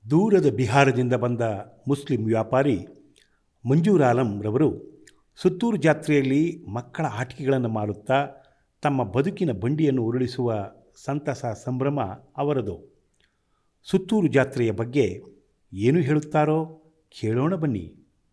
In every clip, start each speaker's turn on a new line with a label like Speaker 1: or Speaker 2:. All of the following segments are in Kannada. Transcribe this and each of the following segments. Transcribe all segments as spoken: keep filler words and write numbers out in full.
Speaker 1: ದೂರದ ಬಿಹಾರದಿಂದ ಬಂದ ಮುಸ್ಲಿಂ ವ್ಯಾಪಾರಿ ಮಂಜೂರ್ ಆಲಂ ರವರು ಸುತ್ತೂರು ಜಾತ್ರೆಯಲ್ಲಿ ಮಕ್ಕಳ ಆಟಿಕೆಗಳನ್ನು ಮಾರುತ್ತಾ ತಮ್ಮ ಬದುಕಿನ ಬಂಡಿಯನ್ನು ಉರುಳಿಸುವ ಸಂತಸ ಸಂಭ್ರಮ ಅವರದು. ಸುತ್ತೂರು ಜಾತ್ರೆಯ ಬಗ್ಗೆ ಏನು ಹೇಳುತ್ತಾರೋ ಕೇಳೋಣ ಬನ್ನಿ.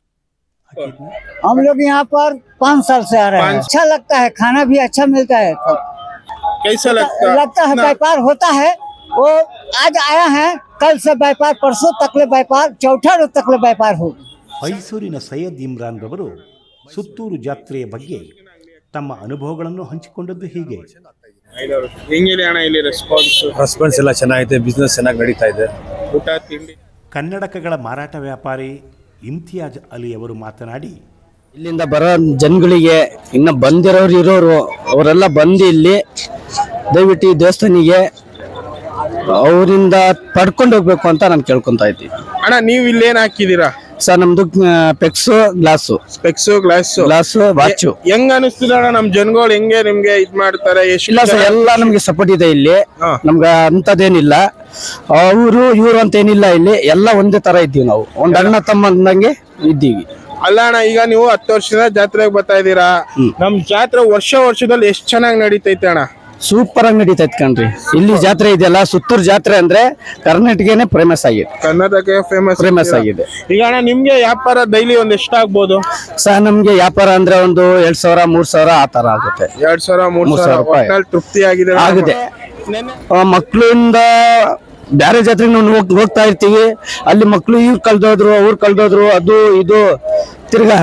Speaker 2: हम लोग यहाँ पर पाँच साल से आ रहे हैं। अच्छा लगता है, खाना भी अच्छा मिलता है।
Speaker 3: कैसा लगता है?
Speaker 2: लगता है व्यापार होता है। वो आज आया है, कल से व्यापार, परसों तकले व्यापार, चौथा रोज तकले व्यापार हो.
Speaker 1: ಮೈಸೂರಿನ ಸೈಯದ್ ಇಮ್ರಾನ್ ರವರು ಸುತ್ತೂರು ಜಾತ್ರೆಯ ಬಗ್ಗೆ ತಮ್ಮ ಅನುಭವಗಳನ್ನು ಹಂಚಿಕೊಂಡದ್ದು ಹೀಗೆ.
Speaker 3: ಹೆಂಗಿದೆ ಅಣ್ಣ ಇಲ್ಲಿ ರೆಸ್ಪಾನ್ಸ್?
Speaker 4: ರೆಸ್ಪಾನ್ಸ್ ಎಲ್ಲ ಚೆನ್ನಾಗಿದೆ, ಬಿಸ್ನೆಸ್ ಚೆನ್ನಾಗಿ ನಡೀತಾ ಇದೆ.
Speaker 3: ಊಟ ತಿಂಡಿ.
Speaker 1: ಕನ್ನಡಕಗಳ ಮಾರಾಟ ವ್ಯಾಪಾರಿ ಇಮ್ತಿಯಾಜ್ ಅಲಿ ಅವರು ಮಾತನಾಡಿ,
Speaker 5: ಇಲ್ಲಿಂದ ಬರೋ ಜನಗಳಿಗೆ ಇನ್ನು ಬಂದಿರೋರು ಇರೋರು ಅವರೆಲ್ಲ ಬಂದು ಇಲ್ಲಿ ದಯವಿಟ್ಟು ಈ ದೇವಸ್ಥಾನಿಗೆ ಅವರಿಂದ ಪಡ್ಕೊಂಡು ಹೋಗ್ಬೇಕು ಅಂತ ನಾನು ಕೇಳ್ಕೊಂತ ಇದ್ದೀನಿ.
Speaker 3: ಅಣ್ಣ ನೀವು ಇಲ್ಲಿ ಏನ್ ಹಾಕಿದೀರಾ?
Speaker 5: ಸರ್ ನಮ್ದು specs glass
Speaker 3: specs glass
Speaker 5: glass watch.
Speaker 3: ಹೆಂಗ್ ಅನಿಸ್ತಿದ ಅಣ್ಣ ನಮ್ ಜನಗಳು ಹೆಂಗೆ ನಿಮ್ಗೆ ಇದ್ ಮಾಡ್ತಾರೆ?
Speaker 5: ಇಲ್ಲ ಸರ್, ಎಲ್ಲ ನಮ್ಗೆ ಸಪೋರ್ಟ್ ಇದೆ ಇಲ್ಲಿ. ನಮ್ಗೆ ಅಂತದೇನಿಲ್ಲ, ಅವರು ಇವರು ಅಂತ ಏನಿಲ್ಲ, ಇಲ್ಲಿ ಎಲ್ಲ ಒಂದೇ ತರ ಇದ್ದೀವಿ ನಾವು, ಒಂದ್ ಅಣ್ಣ ತಮ್ಮ ಅಂದಂಗೆ ಇದ್ದೀವಿ.
Speaker 3: ಅಲ್ಲ ಅಣ್ಣ, ಈಗ ನೀವು ಹತ್ತು ವರ್ಷದ ಜಾತ್ರೆಗೆ ಬರ್ತಾ ಇದ್ದೀರಾ, ನಮ್ ಜಾತ್ರೆ ವರ್ಷ ವರ್ಷದಲ್ಲಿ ಎಷ್ಟ್ ಚೆನ್ನಾಗಿ ನಡೀತೈತೆ ಅಣ್ಣ?
Speaker 5: ಸೂಪರ್ ಆಗಿ ನಡೀತೈತೆ ಕಣ್ರಿ. ಇಲ್ಲಿ ಜಾತ್ರೆ ಇದೆಯಲ್ಲ, ಸುತ್ತೂರು ಜಾತ್ರೆ ಅಂದ್ರೆ ಕರ್ನಾಟಕನೇ ಫೇಮಸ್ ಆಗಿದೆ,
Speaker 3: ಕರ್ನಾಟಕ ಫೇಮಸ್
Speaker 5: ಫೇಮಸ್ ಆಗಿದೆ.
Speaker 3: ಈಗ ಅಣ್ಣ ನಿಮ್ಗೆ ವ್ಯಾಪಾರ ಡೈಲಿ ಒಂದ್ ಎಷ್ಟಾಗ್ಬೋದು
Speaker 5: ಸರ್? ನಮ್ಗೆ ವ್ಯಾಪಾರ ಅಂದ್ರೆ ಒಂದು ಎರಡ್ ಸಾವಿರ ಮೂರ್ ಸಾವಿರ ಆ ತರ ಆಗುತ್ತೆ.
Speaker 3: ಎರಡ್ ಸಾವಿರ ಮೂರ್ ಸಾವಿರ ರೂಪಾಯಿ ತೃಪ್ತಿ ಆಗಿದೆ
Speaker 5: ಆಗಿದೆ. ಮಕ್ಳಿಂದ ಬ್ಯಾರೆ ಜಾತ್ರೆಗೆ ನಾವು ಹೋಗ್- ಹೋಗ್ತಾ ಇರ್ತೀವಿ, ಅಲ್ಲಿ ಮಕ್ಳು ಇವ್ರು ಕಳ್ದೋದ್ರು ಅವ್ರು ಕಳ್ದೋದ್ರು, ಅದು ಇದು ತಿರ್ಗಾ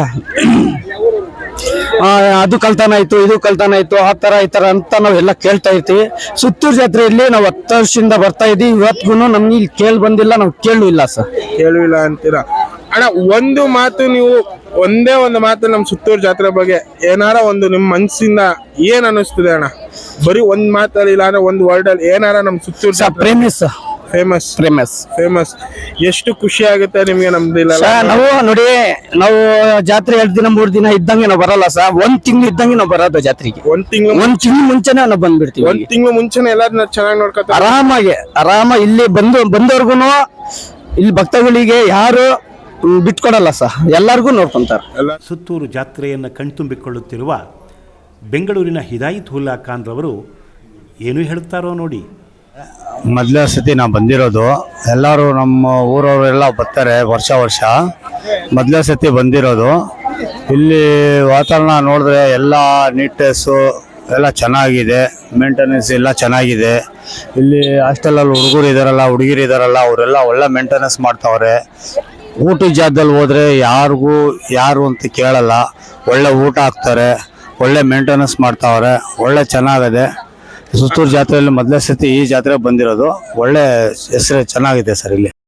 Speaker 5: ಆ, ಅದು ಕಳ್ತನ ಆಯ್ತು ಇದು ಕಳ್ತನ ಆಯ್ತು ಆ ತರ ಈ ತರ ಅಂತ ನಾವೆಲ್ಲ ಕೇಳ್ತಾ ಇರ್ತೀವಿ. ಸುತ್ತೂರು ಜಾತ್ರೆಯಲ್ಲಿ ನಾವು ಹತ್ತು ವರ್ಷದಿಂದ ಬರ್ತಾ ಇದೀವಿ, ಇವತ್ತಿಗೂ ನಮ್ಗೆ ಇಲ್ಲಿ ಕೇಳಿ ಬಂದಿಲ್ಲ, ನಾವು ಕೇಳು ಇಲ್ಲ ಸರ್.
Speaker 3: ಕೇಳುವಿಲ್ಲ ಅಂತೀರಾ ಅಣ್ಣ? ಒಂದು ಮಾತು, ನೀವು ಒಂದೇ ಒಂದು ಮಾತು ನಮ್ ಸುತ್ತೂರು ಜಾತ್ರೆ ಬಗ್ಗೆ ಏನಾರ ಒಂದು ನಿಮ್ ಮನ್ಸಿಂದ ಏನ್ ಅನಿಸ್ತದೆ ಅಣ್ಣ? ಬರೀ ಒಂದ್ ಮಾತಲ್ಲಿ ಇಲ್ಲ ಅಂದ್ರೆ ಒಂದ್ ವರ್ಡ್ ಅಲ್ಲಿ ಏನಾರ ನಮ್ ಸುತ್ತೂರು ಜಾತ್ರೆ
Speaker 5: ಪ್ರೇಮಿಸ್
Speaker 3: ಫೇಮಸ್
Speaker 5: ಪ್ರೇಮಸ್
Speaker 3: ಫೇಮಸ್ ಎಷ್ಟು ಖುಷಿ ಆಗುತ್ತೆ ನಿಮ್ಗೆ? ನಮ್ದಿಲ್ಲ
Speaker 5: ನಾವು ನೋಡಿ, ನಾವು ಜಾತ್ರೆ ಎರಡ್ ದಿನ ಮೂರ್ ದಿನ ಇದ್ದಂಗೆ ನಾವು ಬರಲ್ಲ ಸರ್, ಒಂದ್ ತಿಂಗಳು ಇದ್ದಂಗೆ ನಾವು ಬರೋದು ಜಾತ್ರೆಗೆ.
Speaker 3: ಒಂದ್ ತಿಂಗಳು
Speaker 5: ಒಂದ್ ತಿಂಗಳು ಮುಂಚೆನೆ ನಾವು ಬಂದ್ಬಿಡ್ತೀವಿ.
Speaker 3: ಒಂದ್ ತಿಂಗಳು ಮುಂಚೆನೆ ಎಲ್ಲಾರನ್ನ ಚೆನ್ನಾಗಿ ನೋಡ್ಕೊತಾರೆ
Speaker 5: ಆರಾಮಾಗಿ ಆರಾಮ ಇಲ್ಲಿ ಬಂದು ಬಂದವ್ರಿಗೂ ಇಲ್ಲಿ ಭಕ್ತಗಳಿಗೆ ಯಾರು ಬಿಟ್ಕೊಡಲ್ಲ ಸರ್, ಎಲ್ಲಾರ್ಗು ನೋಡ್ಕೊಂತಾರೆ.
Speaker 1: ಸುತ್ತೂರು ಜಾತ್ರೆಯನ್ನು ಕಣ್ತುಂಬಿಕೊಳ್ಳುತ್ತಿರುವ ಬೆಂಗಳೂರಿನ ಹಿದಾಯತ್ ಉಲ್ಲಾ ಖಾನ್ ರವರು ಏನು ಹೇಳುತ್ತಾರೋ ನೋಡಿ.
Speaker 4: ಮೊದಲನೇ ಸತಿ ನಾವು ಬಂದಿರೋದು, ಎಲ್ಲರೂ ನಮ್ಮ ಊರವರೆಲ್ಲ ಬರ್ತಾರೆ ವರ್ಷ ವರ್ಷ. ಮೊದಲನೇ ಸತಿ ಬಂದಿರೋದು, ಇಲ್ಲಿ ವಾತಾವರಣ ನೋಡಿದ್ರೆ ಎಲ್ಲ ನೀಟ್ನೆಸ್ಸು ಎಲ್ಲ ಚೆನ್ನಾಗಿದೆ, ಮೇಂಟೆನೆನ್ಸ್ ಎಲ್ಲ ಚೆನ್ನಾಗಿದೆ. ಇಲ್ಲಿ ಹಾಸ್ಟೆಲಲ್ಲಿ ಹುಡುಗರು ಇದ್ದಾರಲ್ಲ ಹುಡುಗಿರು ಇದ್ದಾರಲ್ಲ ಅವರೆಲ್ಲ ಒಳ್ಳೆ ಮೇಂಟೆನೆನ್ಸ್ ಮಾಡ್ತಾವ್ರೆ. ಊಟದ ಜಾಗದಲ್ಲಿ ಹೋದರೆ ಯಾರಿಗೂ ಯಾರು ಅಂತ ಕೇಳಲ್ಲ, ಒಳ್ಳೆ ಊಟ ಹಾಕ್ತಾರೆ, ಒಳ್ಳೆ ಮೇಂಟೆನೆನ್ಸ್ ಮಾಡ್ತಾವ್ರೆ, ಒಳ್ಳೆ ಚೆನ್ನಾಗಿದೆ. ಸುತ್ತೂರು ಜಾತ್ರೆಯಲ್ಲಿ ಮೊದಲನೇ ಸತಿ ಈ ಜಾತ್ರೆಗೆ ಬಂದಿರೋದು, ಒಳ್ಳೆ ಹೆಸರು ಚೆನ್ನಾಗಿದೆ ಸರ್ ಇಲ್ಲಿ.